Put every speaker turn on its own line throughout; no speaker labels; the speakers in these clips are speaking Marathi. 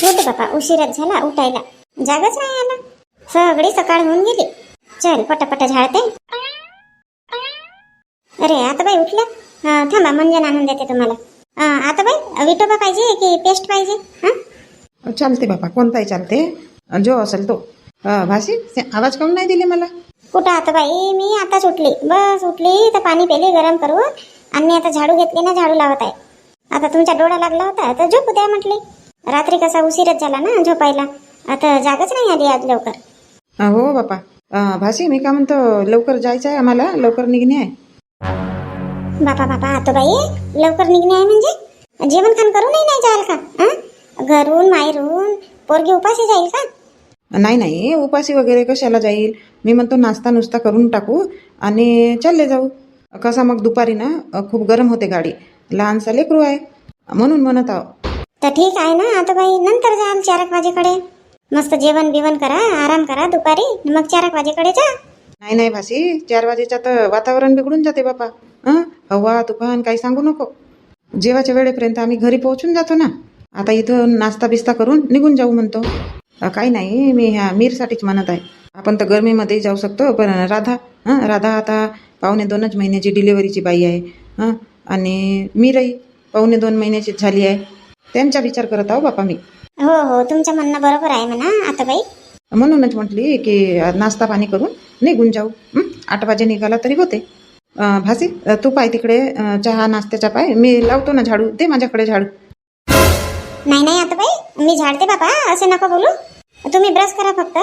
उठ बापा, उशीरच झाला उठायला. जागच नाही आला. सगळी सकाळ होऊन गेली. चल पटापट झाडते. अरे आता बाई उठल्या. थांबा, मंजन आणून देते तुम्हाला. आता बाई विटोबा पाहिजे की पेस्ट पाहिजे?
चालते बापा, कोणताही चालते, जो असेल तो. भासी, आवाज काऊन नाही दिले मला?
कुठं आता बाई, मी आताच उठली. बस उठली तर पाणी पेले गरम करून, आणि आता झाडू घेतली ना, झाडू लावत आहे. आता तुमचा डोळा लागला होता तर झोपू द्या म्हटली. रात्री कसा उशीरच झाला ना झोपायला. आता जागच नाही आली आज लवकर.
हो बापा. भासी, मी का म्हणतो, लवकर जायचं आहे आम्हाला, लवकर निघणे आहे.
बापा बापा, आता बाई लवकर निघणे आहे म्हणजे जेवण खाण करूनही नाही जाल का? घरून माहेरून पोरगी उपाशी जाईल का?
नाही नाही, उपाशी वगैरे कशाला जाईल. मी म्हणतो नाश्ता नुसता करून टाकू आणि चालले जाऊ. कसा मग दुपारी ना खूप गरम होते गाडी, लहानसा लेकरू आहे म्हणून म्हणत आहो.
तर ठीक आहे ना आता बाई, नंतर जाल 4 वाजेकडे. मस्त जेवण बिवण करा, आराम करा दुपारी, मग 4 वाजेकडे जा.
नाही नाही भासी, 4 वाजेच्या तर वातावरण बिघडून जाते बापा. हवा तुफान काही सांगू नको. जेवाच्या वेळेपर्यंत आम्ही घरी पोहोचून जातो ना. आता इथं नाश्ता बिस्ता करून निघून जाऊ म्हणतो. काही नाही, मी ह्या मीरसाठीच म्हणत आहे. आपण तर गरमीमध्ये जाऊ शकतो, पण राधा आता 2.25 महिन्याची डिलिव्हरीची बाई आहे. आणि मीरही 2.25 महिन्याची झाली आहे. त्यांचा विचार करत आहो बापा मी.
हो हो, तुमचं म्हणणं बरोबर आहे म्हणा आता बाई.
म्हणूनच म्हटली की नाश्ता पाणी करून निघून जाऊ. 8 वाजे निघाला तरी होते. भासी, तू पाय तिकडे चहा नाश्त्याचा पाय, मी लावतो ना झाडू. दे माझ्याकडे झाडू.
नाही नाही आता बाई, मी झाडते बाबा, असे नका बोलू. तुम्ही ब्रश करा फक्त,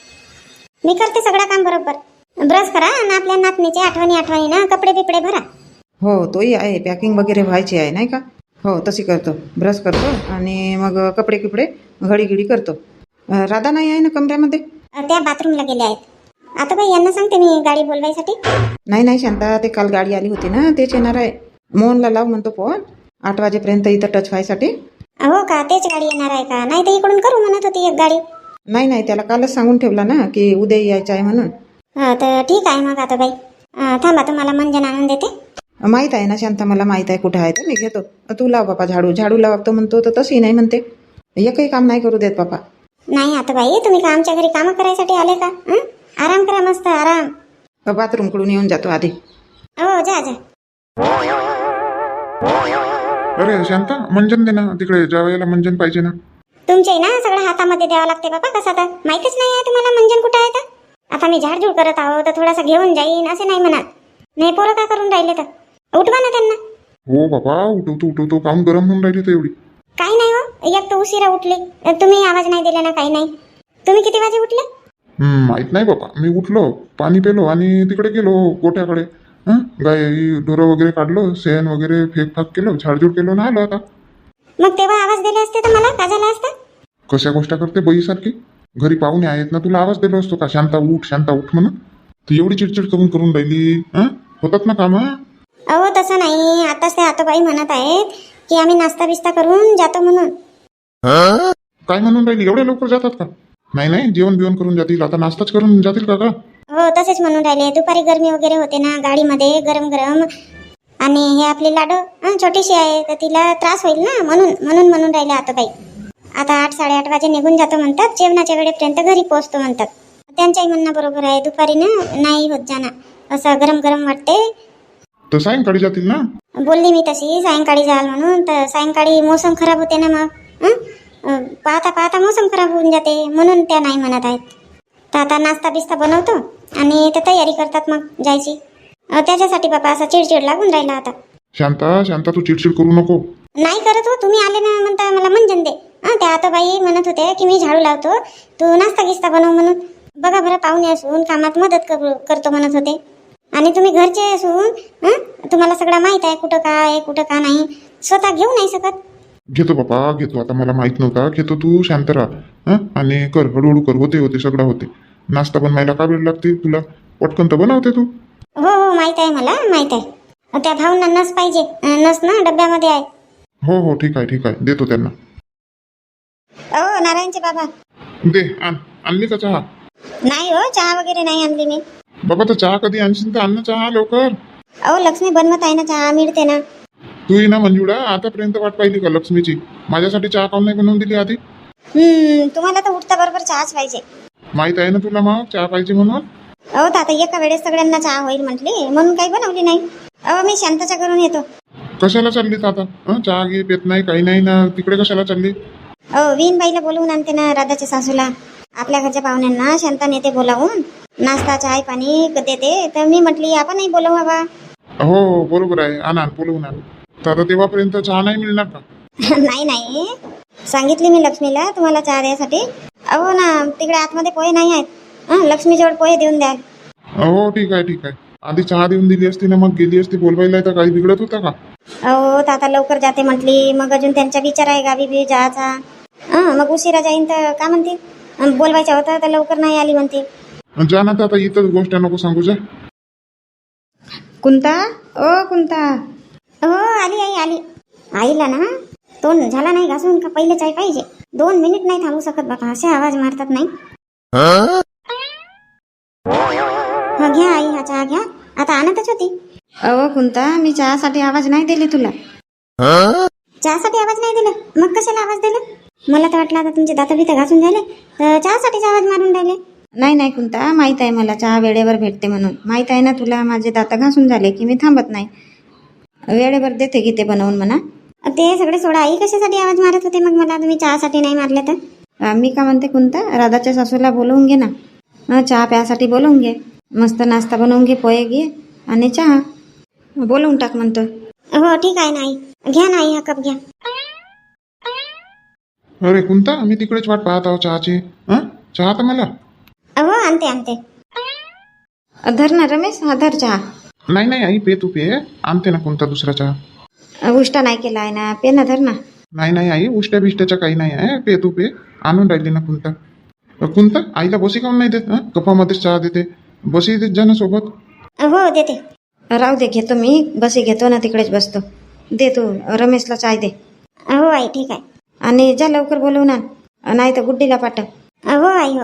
मी करते सगळं काम बरोबर. ब्रश करा आणि आपल्या नातनीचे आठवणी ना कपडे बिपडे भरा.
हो, तोही आहे, पॅकिंग वगैरे व्हायची आहे नाही का? हो, तशी करतो. ब्रश करतो आणि मग कपडे किपडे घडी करतो. राधा नाही आहे ना कमऱ्यामध्ये?
त्या बाथरूमला गेल्या आहेत. आता बाई यांना सांगते मी गाडी बोलवायसाठी.
नाही शांता, ते काल गाडी आली होती ना, तेच येणार आहे. मोहनला लाव म्हणतो फोन 8 वाजेपर्यंत इथं टच व्हायसाठी.
हो का, तेच गाडी येणार आहे का? नाही तर इकडून करू म्हणत होती एक गाडी.
नाही, त्याला कालच सांगून ठेवला ना की उद्या यायचं आहे म्हणून.
तर ठीक आहे मग आता बाई. थांबा, तुम्हाला मंजन आणून देते.
माहीत आहे ना शांता, मला माहीत आहे कुठं आहे तर मी घेतो. तू लाव बापा झाडू लावतो म्हणतो तर तशी नाही म्हणते. एकही काम नाही करू देत बापा.
नाही आता बाई, तुम्ही का आमच्या घरी कामं करायसाठी आले का? आराम करा, मस्त आराम.
बाथरूम कडून येऊन जातो आधी.
हो, जा.
अरे शांता, मंजन दे ना तिकडे, जेवायला मंजन पाहिजे ना.
तुमचे ना सगळं हातामध्ये द्यावं लागते बाबा. कसं तर माहितीच नाही आहे तुम्हाला मंजन कुठं आहे तर. आता मी झाडझूड करत आहो तर थोडासा घेऊन जाईन असे नाही म्हणत. नाही, पोरं का करून राहिले तर उठवा ना त्यांना.
हो बाबा, उठवतो काम गरम होऊन राहिली तर एवढी.
काही नाही हो, एक तर उशिरा उठले. तुम्ही आवाज नाही दिला ना, काही नाही. तुम्ही किती वाजे उठले?
माहित नाही बाबा, मी उठलो, पाणी पेलो आणि तिकडे गेलो गोठ्याकडे. गाय ढोरं वगैरे काढलो, शेण वगैरे फेकफाक केलो, झाडझूड केलो ना आलो आता.
मग तेव्हा आवाज दिले असते तर मला का झाला असता?
कशा गोष्ट करते बाईसारखी? घरी पाहुणे आहेत ना, तुला आवाज दिलो असतो का शांता उठ म्हणून? तू एवढी चिडचिड करून राहिली. होतात ना काम.
अहो तसं नाही, आताच ते आतोबाई म्हणत आहेत की आम्ही नाश्ता बिस्ता करून जातो म्हणून.
काय म्हणून राहिली? एवढ्या लवकर जातात का? नाही, जेवण बिवण करून जातील, आता नाश्ताच करून जातील का?
हो, तसेच म्हणून राहिले. दुपारी गरमी वगैरे होते ना गाडीमध्ये, गरम आणि हे आपली लाडो छोटीशी आहे तर तिला त्रास होईल ना, म्हणून राहिले आतोबाई. आता 8-8:30 वाजे निघून जातो म्हणतात, जेवणाच्या वेळेपर्यंत घरी पोहोचतो म्हणतात. त्यांच्याही म्हणणं बरोबर आहे. दुपारी ना नाही होत जाणार, असं गरम वाटते.
तर सायंकाळी जातील ना.
बोलली मी तशी सायंकाळी जाल म्हणून, तर सायंकाळी मोसम खराब होते ना, मग पाहता मोसम खराब होऊन जाते, म्हणून त्या नाही म्हणत आहेत. तर आता नाश्ता बिस्ता बनवतो आणि ते तयारी करतात मग जायची. त्याच्यासाठी बाबा असा चिडचिड लागून राहिला आता.
शांता तू चिडचिड करू नको.
नाही करत हो, तुम्ही आले ना म्हणता मला मंजन दे. त्या आतोबाई म्हणत होते की मी झाडू लावतो, तू नाश्ता गिस्ता बनव म्हणून. बघा बरं, पाहुणे असून कामात मदत करतो म्हणत होते. आणि तुम्ही घरचे असून तुम्हाला सगळं माहित आहे, कुठं का आहे कुठं का नाही. स्वतः घेऊ नाही शकत.
घेतो बापा, घेतो. आता मला माहित नव्हता. घेतो, तू शांत राहा आणि कर, हळूहळू कर. होते सगळं होते. नाश्ता बनवायला का वेळ लागते तुला? पटकन तर बनवते तू.
हो, माहित आहे, मला माहित आहे. त्या भाऊंना नस पाहिजे, नस ना डब्यामध्ये आहे.
हो, ठीक आहे, देतो त्यांना.
नारायणचे बाबा.
दे, आणली का चहा?
नाही हो, चहा वगैरे नाही आणली मी.
बाबा, तर चहा कधी आणशील तर आण ना चहा लवकर.
लक्ष्मी बनवत आहे ना, चहा मिळते ना.
तू ना मंजुळा, आतापर्यंत वाट पाहिली का लक्ष्मीची? माझ्यासाठी चहा काऊन नाही बनवून दिली आधी?
तुम्हाला तर उठता बरोबर चहाच पाहिजे.
माहित आहे ना तुला मग चहा पाहिजे म्हणून.
अहो तर आता एका वेळेस सगळ्यांना चहा होईल म्हटली म्हणून काही बनवली नाही. अहो मी शांताच्या घरून येतो.
कशाला चाललीत आता? चहा घे पेत नाही काही नाही ना, तिकडे कशाला चालली?
अहो वीणबाईला बोलवून आणते ना, राधाच्या सासूला. आपल्या घरच्या पाहुण्यांना शांता नेते बोलावून, नाश्ता चाय पाणी देते. तर मी म्हटली आपणही बोलवू हवा.
हो बरोबर आहे, आणा बोलवून आण. तर आता तेव्हापर्यंत चहा नाही मिळणार का?
नाही नाही, सांगितली मी लक्ष्मीला तुम्हाला चहा द्यायसाठी. अहो ना तिकडे आतमध्ये पोहे नाही आहेत. लक्ष्मीजवळ पोहे देऊन द्याल.
हो ठीक आहे ठीक आहे. आधी चहा देऊन दिली असती ना, मग गेली असती बोलवायला, तर काही बिघडत होता का?
अहो तर आता लवकर जाते म्हटली, मग अजून त्यांचा विचार आहे गावी बी जायचा. मग उशिरा जाईन तर का म्हणतील, बोलवायचं होतं तर लवकर नाही आली म्हणतील.
जा ना, तर आता इथंच गोष्ट नको सांगू. जा.
कुंता, ओ कुंता.
हो आली आई आली. आईला ना तोंड झाला नाही घासून का पहिले चाय पाहिजे. 2 मिनिट नाही थांबू शकत बाबा, असे आवाज मारतात नाही. हा घ्या आई, हा चहा घ्या. आता आणतच होती.
अहो कुंता, मी चहासाठी आवाज नाही दिले तुला.
चहासाठी आवाज नाही दिला, मग कशाला आवाज दिला? मला तर वाटलं आता तुमचे दात बित घासून झाले तर चहासाठीच आवाज मारून राहिले.
नाही नाही कुंता, माहीत आहे मला चहा वेळेवर भेटते म्हणून. माहीत आहे ना तुला, माझे दात घासून झाले की मी थांबत नाही. वेळेवर देते की ते बनवून म्हणा.
ते सगळे सोडा आई, कशासाठी आवाज मारत होते मग मला तुम्ही चहासाठी नाही मारले तर?
मी का म्हणते कुंता, राधाच्या सासूला बोलवून घे ना. चहा प्यासाठी बोलवून घे. मस्त नाश्ता बनवून घे, पोहे घे आणि चहा बोलवून टाक म्हणतो.
हो ठीक आहे ना आई, घ्या ना आई, हा कप घ्या.
अरे कुंता, मी तिकडेच वाट पाहत आहो चहाची. चहा तर मला.
हो आणते आणते.
धर ना रमेश, हा धर चहा.
नाही नाही आई, पे तू पे. आणते ना कुंता दुसरा चहा.
उष्टा नाही केला आहे ना, पे ना, धर ना.
नाही नाही आई, उष्ट्या बिष्ट्याच्या काही नाही आहे. पे तू पे. आणून राहिली ना कुंता. कुंता, आईला बसी काऊन नाही देत? कपामध्येच चहा देते. बसी देत जा ना सोबत.
हो देते.
राहू दे, घेतो मी. बसी घेतो ना, तिकडेच बसतो. दे तू रमेशला चाय दे.
हो आई ठीक आहे.
आणि जा लवकर बोलवून आण, नाही तर गुड्डीला पाठव.
हो आई हो.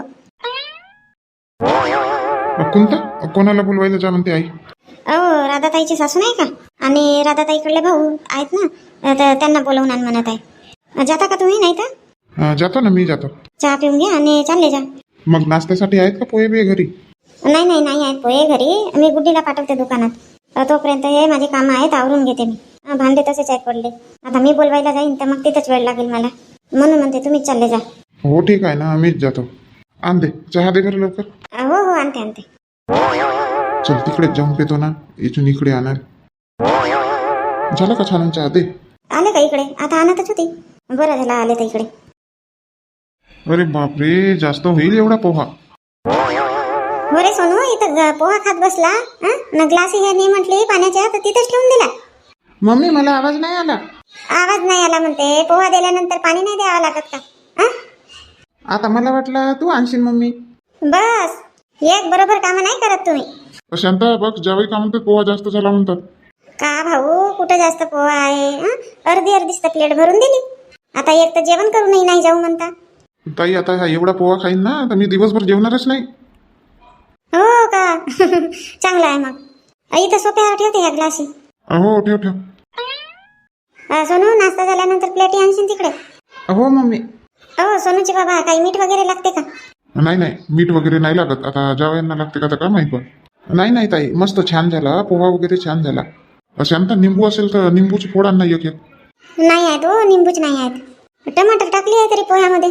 कुंता, कोणाला बोलवायला जा म्हणते आई?
अहो राधाताईची सासू नाही का, आणि राधाताईकडले भाऊ आहेत ना, तर त्यांना बोलवून आण म्हणत आहे. जाता का तुम्ही? नाही तर
जातो ना, मी जातो.
चहा पिऊन घ्या आणि चालले जा.
मग नाश्त्यासाठी आहेत का पोहे बे घरी?
नाही नाही नाही आहेत पोहे घरी. मी गुड्डीला पाठवते दुकानात. तोपर्यंत हे माझे कामं आहेत, आवरून घेते मी. भांडे तसेच आहेत पडले. आता मी बोलवायला जाईन तर मग तिथंच वेळ लागेल मला, म्हणून म्हणते तुम्हीच चालले जा.
हो ठीक आहे ना, मीच जातो. आण दे चहा, दे बरं लवकर.
हो हो आणते आणते.
चल तिकडेच जाऊन पेतो ना, इथून इकडे आणणार. झालं का छान चहा? दे.
आले का इकडे? आता आणतच होती. बरं झालं आले तर इकडे.
अरे बापरे, जास्त होईल एवढा पोहा?
हो रे सोनू, इथं पोहा खात बसला ना. ग्लास ह्यानी म्हटली पाण्याच्या, तर तिथंच ठेवून दिला.
मम्मी, मला आवाज नाही आला.
आवाज नाही आला म्हणते? पोहा दिल्यानंतर पाणी नाही द्यावं लागत का?
आता मला वाटलं तू आणशील मम्मी.
बस एक बरोबर कामं नाही करत तुम्ही.
शांता बघ, ज्यावेळी का म्हणतात पोहा जास्त झाला म्हणतात.
का भाऊ, कुठं जास्त पोहा आहे? अर्धी अर्धीच तर प्लेट भरून दिली. आता एक तर जेवण करूनही नाही जाऊ म्हणता.
ताई, आता हा एवढा पोहा खाईन ना, तर मी दिवसभर जेवणारच नाही.
हो का? चांगलं आहे मग. इथं सोप्यावर ठेवते ह्या ग्लासी.
हो ठेव ठेव.
सोनू, नाश्ता झाल्यानंतर प्लेटी आणशील तिकडे.
हो मम्मी.
हो सोनूची बाबा, काही मीठ वगैरे लागते का?
नाही नाही, मीठ वगैरे नाही लागत. आता जावयांना लागते का, तर काय माहित. नाही नाही ताई, मस्त छान झाला पोहा वगैरे, छान झाला. शांता, निंबू असेल तर निंबूची फोड आण ना एक एक.
नाही आहेत हो, निंबूच नाही आहेत. टमाटर टाकली आहे तरी पोह्यामध्ये.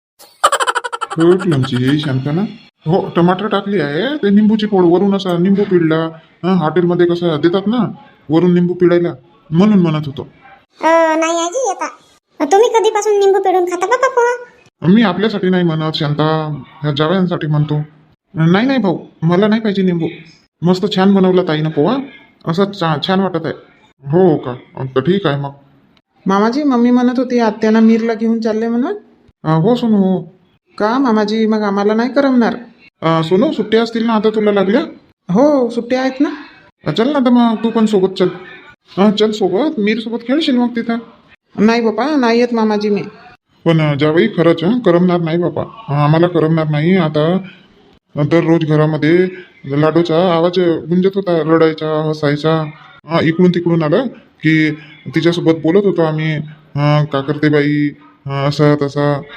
हे शांता ना. हो, टमाटर टाकली आहे, ते निंबूची फोड वरून असा निंबू पिळला. हॉटेलमध्ये कसं देतात ना, वरून निंबू पिळायला, म्हणून म्हणत होतो.
नाही आजी, येता तुम्ही कधीपासून निंबू पिळून खाता बाबा पोहा?
मी आपल्यासाठी नाही म्हणत शांता, ह्या जावयांसाठी म्हणतो. नाही नाही भाऊ, मला नाही पाहिजे निंबू. मस्त छान बनवला ताईनं पोहा, असं छान वाटत आहे. हो का? तर ठीक आहे मग.
मामाजी, मम्मी म्हणत होती आत्याला मीरला घेऊन चालले म्हणून.
हो सोनू, हो.
का मामाजी, मग आम्हाला नाही करमणार?
सोनू, सुट्ट्या असतील ना आता तुला लागल्या?
हो, सुट्ट्या आहेत ना.
चल ना, तर मग तू पण सोबत चल. चल सोबत, मीर सोबत खेळशील मग तिथं.
नाही बापा, नाही येत मामाजी मी.
पण ज्यावेळी खरंच करमणार नाही बापा, आम्हाला करमणार नाही. आता दररोज घरामध्ये लाडूचा आवाज गुंजत होता, रडायचा, हसायचा. इकडून तिकडून आलं की तिच्यासोबत बोलत होतो आम्ही. का करते बाई, असा तसा.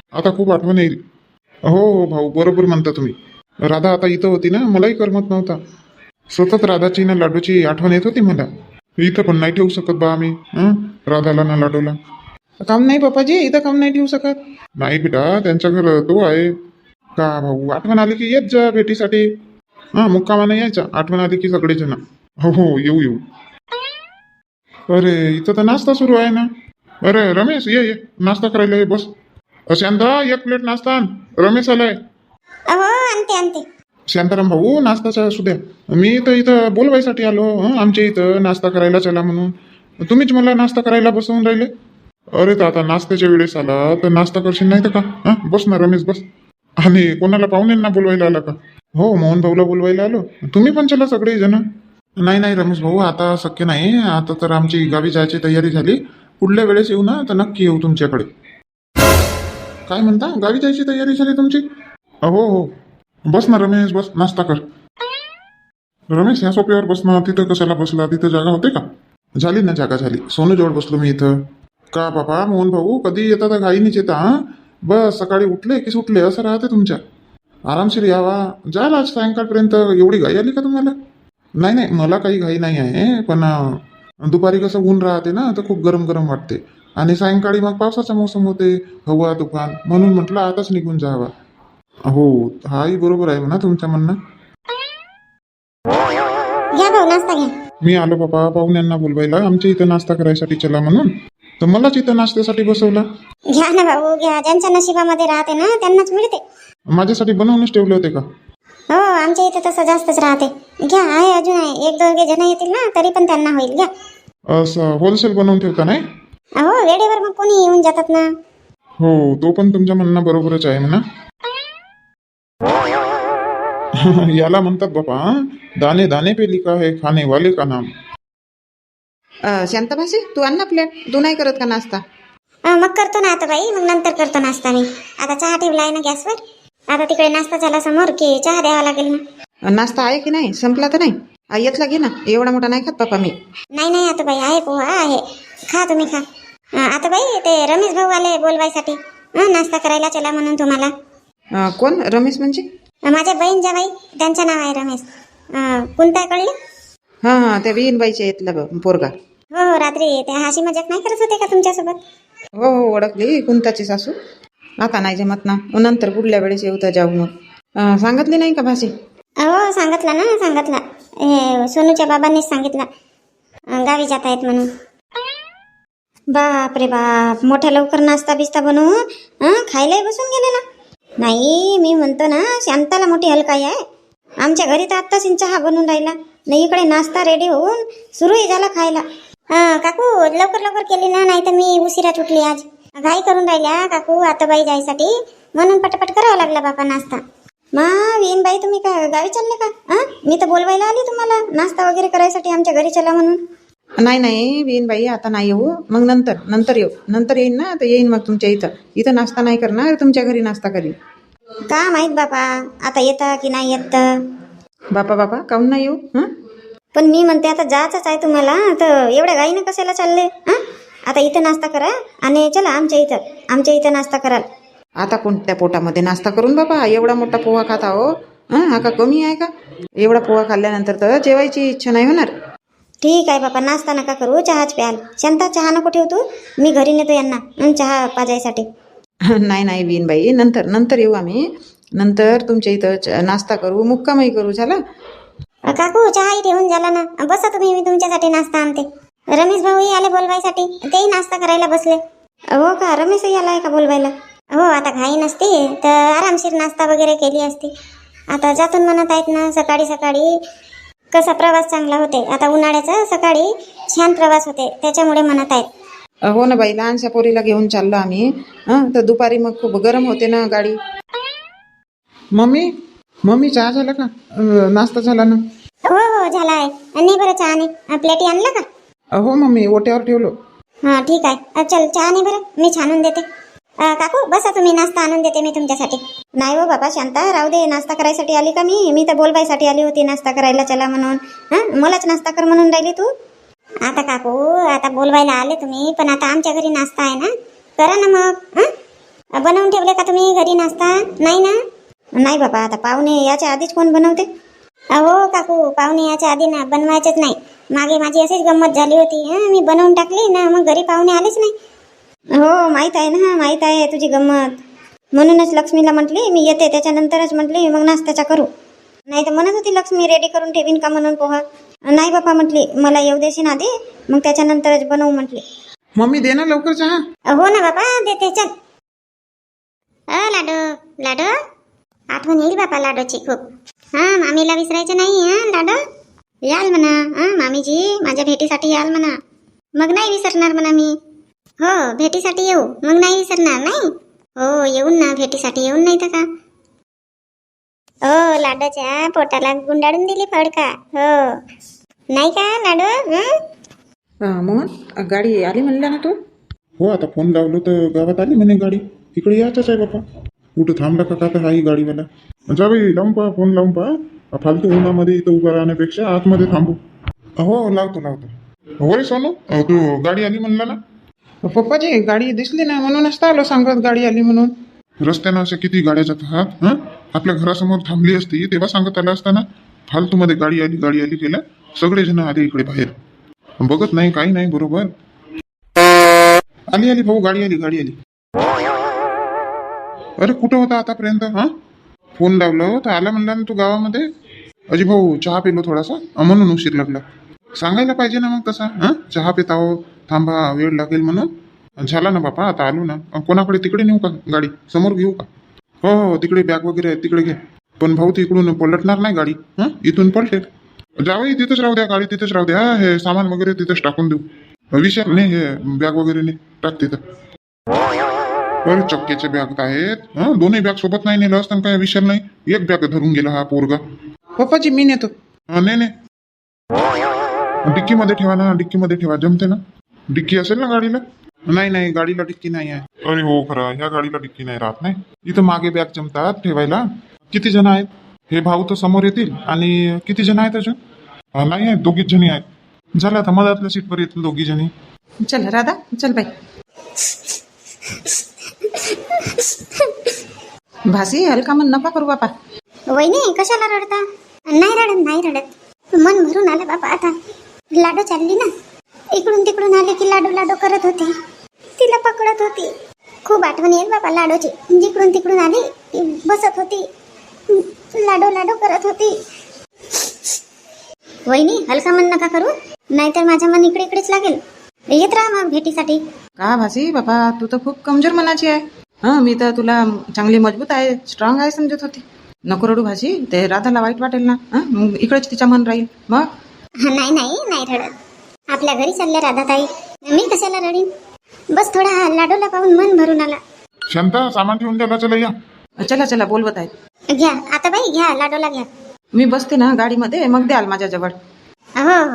आता खूप आठवण येईल. हो हो भाऊ, बरोबर म्हणता तुम्ही. राधा आता इथं होती ना, मलाही करमत नव्हता. सतत राधाची ना लाडूची आठवण येत होती मला. इथं पण नाही ठेवू शकत बा आम्ही, राधाला ना लाडूला.
काम नाही बापाजी, इथं काम नाही ठेवू शकत.
नाही बेटा, त्यांच्या घर तो आहे का भाऊ. आठवण आली की येत जा भेटीसाठी. मुक्कामानं यायचा, आठवण आली की सगळेजण. हो हो, येऊ येऊ. अरे इथं तर नाश्ता सुरू आहे ना. अरे रमेश, ये नाश्ता करायला ये, बस. शांता, एक प्लेट नाश्ता आण. रमेश आलाय.
अहो आणते.
शांताराम भाऊ, नाश्ताचा असू द्या. मी तर इथं बोलवायसाठी आलो, आमच्या इथं नाश्ता करायला चला म्हणून. तुम्हीच मला नाश्ता करायला बसवून राहिले. अरे तर आता नाश्त्याच्या वेळेस आला तर नाश्ता करशील नाही तर का. बस ना रमेश, बस. आणि कोणाला पाहुण्यांना बोलवायला आला का. हो, मोहन भाऊला बोलवायला आलो. तुम्ही पण चला सगळे जण. नाही रमेश भाऊ, आता शक्य नाही. आता तर आमची गावी जायची तयारी झाली. पुढल्या वेळेस येऊ ना तर नक्की येऊ तुमच्याकडे. काय म्हणता, गावी जायची तयारी झाली तुमची. हो, बस ना रमेश, बस, नाश्ता कर. रमेश, ह्या सोप्यावर बस ना. तिथं कशाला बसला, तिथं जागा होते का. झाली ना जागा, झाली. सोनूजवळ बसलो मी इथं. का बाबा मोहन भाऊ, कधी येतात घाईनीच येता. बस सकाळी उठले की सुटले असं राहते तुमच्या. आरामशीर यावा. जाल आज सायंकाळपर्यंत. एवढी घाई आली का तुम्हाला. नाही, मला काही घाई नाही आहे. पण दुपारी कसं ऊन राहते ना, तर खूप गरम गरम वाटते. आणि सायंकाळी मग पावसाचा मोसम होते, हवा तुफान. म्हणून म्हटलं आताच निघून जावा. हो, हाही बरोबर आहे म्हणा तुमचं म्हणणं.
घ्या भाऊ नाश्ता घ्या.
मी आलो बाबा पाहुण्यांना बोलवायला आमच्या इथं नाश्ता करायसाठी चला म्हणून. तर मलाच इथं नाश्त्यासाठी बसवला.
घ्या ना भाऊ घ्या. ज्यांच्या नशिबामध्ये राहते ना त्यांनाच मिळते.
माझ्यासाठी बनवूनच ठेवले होते का.
हो, आमच्या इथे तसं जास्तच राहते. घ्या, आहे अजून आहे. एक दोघे जण येतील ना तरी पण त्यांना होईल. घ्या.
असं होलसेल बनवून ठेवता नाही.
अहो वेळेवर मग कोणी येऊन जातात ना.
हो, तो पण तुमच्या म्हणणं बरोबरच आहे म्हणा. याला म्हणतात बाबा, दाने दाने पे लिखा है खाने वाले का नाम.
शांताभासी, तू आण ना प्लेट. तू नाही करत का नाश्ता.
मग करतो ना आता बाई, मग नंतर करतो नाश्ता मी. आता चहा ठेवला आहे ना गॅसवर. आता तिकडे नाश्ता झाला समोर की चहा द्यावा लागेल ना.
नाश्ता आहे की नाही, संपला तर नाही. येतला घे ना, एवढा मोठा नाही खात पापा मी.
नाही आता बाई, आहे पोहा आहे. खा तुम्ही खा. आता बाई ते रमेश भाऊ आले बोलवायसाठी. नाश्ता करायला चला म्हणून तुम्हाला.
कोण रमेश म्हणजे.
माझ्या बहीण जावाई, त्यांचं नाव आहे रमेश. कोणता कळलं.
हा, त्या विहीनबाईच्या येतला पोरगा.
हो, रात्री ते हाशी मजाक नाही करत होते का तुमच्यासोबत.
हो ओळखली, कुंताची सासू. आता नाही जमत ना, नंतर पुढल्या वेळेस येऊ तर जाऊ. मग सांगितले नाही का भासी.
हो सांगितलं ना, सांगितलं. हे सोनूच्या बाबांनीच सांगितलं गावी जात आहेत म्हणून. बाप रे बाप, मोठ्या लवकर नाश्ता बिस्ता बनवून खायलाही बसून गेले ना. नाही, मी म्हणतो ना शांताला मोठी हलकाई आहे. आमच्या घरी तर आत्ताच चहा बनवून राहिला नाही, इकडे नाश्ता रेडी होऊन सुरूही झाला खायला. काकू लवकर केली ना, नाही तर मी उशिरा उठली आज. घाई करून राहिल्या काकू आता बाई जायसाठी, म्हणून पटपट करावा लागला बापा नाश्ता. वीन बाई, तुम्ही काय गावी चालले का. मी तर बोलवायला आली तुम्हाला नाश्ता वगैरे करायसाठी आमच्या घरी चला म्हणून.
नाही विहीनबाई, आता नाही येऊ. मग नंतर येऊ. नंतर येईन ना, तर येईन मग तुमच्या इथं नाश्ता नाही करणार, तुमच्या घरी नाश्ता करीन.
का माहित बापा, आता येतं की नाही येत.
बापा काहून नाही येऊ.
पण मी म्हणते आता जायचंच आहे तुम्हाला, तर एवढ्या घाईनं कशाला चालले. आता इथं नाश्ता करा आणि चला आमच्या इथं नाश्ता कराल.
आता कोणत्या पोटामध्ये नाश्ता करून बाबा. एवढा मोठा पोहा खाता हो. हा का कमी आहे का. एवढा पोहा खाल्ल्यानंतर तर जेवायची इच्छा नाही होणार.
ठीक आहे बापा, नाश्ता नका करू, चहाच प्याल. शांता चहा नको ठेवतो, मी घरी नेतो यांना चहा पाजायसाठी.
नाही विहीनबाई, नंतर येऊ आम्ही. नंतर तुमच्या इथं नाश्ता करू, मुक्कामही करू. झाला
काकू, चहाही ठेवून झाला ना. बसा तुम्ही, मी तुमच्यासाठी नाश्ता आणते. रमेश भाऊही आले बोलवायसाठी, तेही नाश्ता करायला बसले. हो का, रमेशही आलाय का बोलवायला. हो, आता घाई नसती तर आरामशीर नाश्ता वगैरे केली असती. आता जातून म्हणत आहेत ना सकाळी कसा प्रवास चांगला होते. आता उन्हाळ्याचा सकाळी छान प्रवास होते, त्याच्यामुळे म्हणत आहेत.
हो ना बाई, लहानशा पोरीला घेऊन चाललो आम्ही. तर दुपारी मग खूप गरम होते ना गाडी.
मम्मी चहा झाला का. नाश्ता झाला ना.
हो झाला आहे. नाही बरं, चहा नाही. प्लेटी आणला का.
हो मम्मी, ओट्यावर ठेवलो.
हां ठीक आहे. चल चहा नाही बरं, मी छानून देते. काकू बसा तुम्ही, नाश्ता आणून देते मी तुमच्यासाठी. नाही हो बाबा शांता, राहू दे. नाश्ता करायसाठी आली का मी तर बोलवायसाठी आली होती नाश्ता करायला चला म्हणून. मलाच नाश्ता कर म्हणून राहिली तू. आता काकू, आता बोलवायला आले तुम्ही, पण आता आमच्या घरी नाश्ता आहे ना, करा ना मग. बनवून ठेवले का तुम्ही घरी नाश्ता? नाही ना?
नाही बाबा, आता पाहुणे याच्या आधीच कोण बनवते?
अहो काकू, पाहुणे याच्या आधी ना बनवायचेच नाही. मागे माझी अशीच गंमत झाली होती. मी बनवून टाकली ना, मग घरी पाहुणे आलेच नाही.
हो माहीत आहे ना, माहीत आहे तुझी गंमत. म्हणूनच लक्ष्मीला म्हटली मी येते, त्याच्यानंतरच म्हटली मग नाश्त्याचा करू. नाही तर म्हणत होती लक्ष्मी रेडी करून ठेवीन का म्हणून पोहा. नाही बापा म्हटली, मला येऊ देशील आधी, मग त्याच्यानंतरच बनवू म्हटली.
मम्मी दे ना लवकर चहा.
हो ना बाबा, देते. चल लाडो लाडो, आठवण येईल बापा लाडोची खूप. मामीला विसरायचं नाही. लाडो याल म्हणा. मामीजी माझ्या भेटीसाठी याल म्हणा. मग नाही विसरणार म्हणा मी. हो भेटीसाठी येऊ, मग नाही विसरणार. नाही हो येऊन ना, भेटीसाठी येऊन. नाही तर का हो, लाडोच्या पोटाला गुंडाळून दिली फडका. हो नाही का लाडो?
मोहन गाडी आली म्हणल्या ना तू?
हो, आता फोन लावलो तर गावात आली म्हणे गाडी. इकडे यायचंच आहे बापा. कुठं थांबला का तर हाही गाडीवाला. जा बाई, लावून पहा, फोन लावून पहा. फालतू उन्हामध्ये इथं उभं राहण्यापेक्षा आतमध्ये थांबू. हो लावतो. हो रे सोनू, तू गाडी आली म्हणला ना?
पप्पाजी गाडी दिसली ना, म्हणूनच तर आलो सांगत गाडी आली म्हणून.
रस्त्यानं अशा किती गाड्या जातात. आपल्या घरासमोर थांबली असती तेव्हा सांगत आलं असताना. फालतूमध्ये गाडी आली केल्या. सगळेजण आले इकडे बाहेर, बघत नाही काही नाही. बरोबर आली भाऊ, गाडी आली. अरे कुठं होता आतापर्यंत? फोन लावलं तर आला म्हणला ना तू गावामध्ये. अजी भाऊ चहा पिलो थोडासा, म्हणून उशीर लागला. सांगायला पाहिजे ना मग तसा. चहा पित आहो, थांबा वेळ लागेल म्हणून. झाला ना बापा, आता आलो ना. कोणाकडे तिकडे नेऊ का गाडी? समोर घेऊ का? हो तिकडे बॅग वगैरे आहे, तिकडे घे. पण भाऊ तिकडून पलटणार नाही गाडी. इथून पलटेल. जावई तिथंच राहू द्या, गाडी तिथंच राहू द्या. हे सामान वगैरे तिथंच टाकून देऊ. विषय नाही, हे बॅग वगैरे नाही टाक तिथं. अरे चक्केचे बॅग आहेत. दोन्ही बॅग सोबत नाही नेलं असतं काय विषय नाही. एक बॅग धरून गेला हा पोरगा.
पप्पाजी मी नेतो.
नाही डिक्कीमध्ये ठेवा ना, डिक्कीमध्ये ठेवा. जमते ना? डिक्की असेल ना गाडीला? नाही गाडीला डिक्की नाही आहे. अरे हो खरं, ह्या गाडीला डिक्की नाही राहत. नाही इथं मागे बॅग जमतात ठेवायला. किती जण आहेत? हे भाऊ तर समोर येतील. आणि किती जण आहेत अजून? नाही आहेत, दोघीच जणी आहेत. झालं आता मधातल्या सीटवर येतील दोघी जणी.
चल राधा, चल बाई. भासी हलका मन नका करू बापा.
वहिनी कशाला रडता? नाही रडत. मन भरून आलं बाबा. आता लाडो चालली ना, इकडून तिकडून आले की लाडो करत होते. तिला पकडत होती. खूप आठवण येईल बाबा लाडोची. जिकडून तिकडून आली की बसत होती, लाडो करत होती. वहिनी हलका मन नका करू, नाहीतर माझं मन इकडेच लागेल. येत राहा मग भेटीसाठी.
का भासी बाबा, तू तर खूप कमजोर मनाची आहे. मी तर तुला चांगली मजबूत आहे, स्ट्रॉंग आहे समजत होती. नको रडू भासी, ते राधाला वाईट वाटेल ना. मग इकडेच तिचा मन राहील मग.
नाही रडत. आपल्या घरी चालल्या राधाताई, मी कशाला रडीन. बस थोडा लाडोला पाहून मन भरून आला.
शांता सामान ठेवून द्यायला. चला या.
चला बोलवत आहेत.
घ्या आता बाई, घ्या लाडोला घ्या.
मी बसते ना गाडीमध्ये, मग द्याल माझ्याजवळ.
हो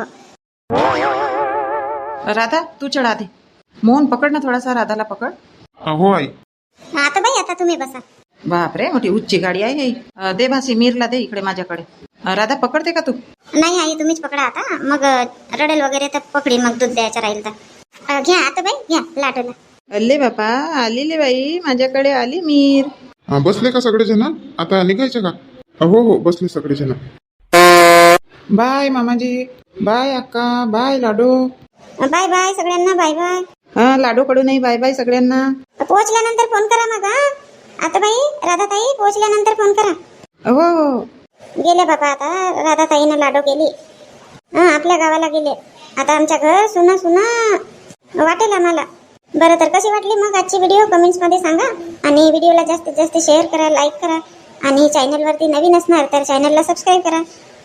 राधा तू चढ आधी. मोहन पकड ना थोडासा, राधाला पकड.
हो आई.
आता बाई, आता तुम्ही बसा.
बापरे, मोठी उच्ची गाडी आहे ही. दे भासी, मीरला दे इकडे माझ्याकडे. राधा पकडते का तू?
नाही आई, तुम्हीच पकडा आता. मग रडेल वगैरे तर पकडी, मग दूध द्यायचं राहील तर. घ्या आता बाई, घ्या लाडोला.
अल्ले बापा, आली बाई माझ्याकडे, आली मीर.
बसले का सगळेजण? आता निघायचे का? हो बसले सगळेजण.
बाय मामाजी, बाय अक्का, बाय लाडो.
बाय बाय सगळ्यांना, बाय बाय.
लाडो कडूनही बाय बाय सगळ्यांना.
पोहोचल्यानंतर फोन करा मग. आता बाई, राधाताई पोहोचल्यानंतर फोन करा.
हो
गेले बाबा आता. राधाताईनं लाडो केली. आपल्या गावाला गेले. आता आमच्या घर सुना वाटेल आम्हाला. बरं तर कशी वाटली मग आजची व्हिडिओ कमेंट्स मध्ये सांगा. आणि व्हिडिओला जास्तीत जास्त शेअर करा, लाईक करा. आणि चॅनलवरती नवीन असणार तर चॅनलला सबस्क्राईब करा.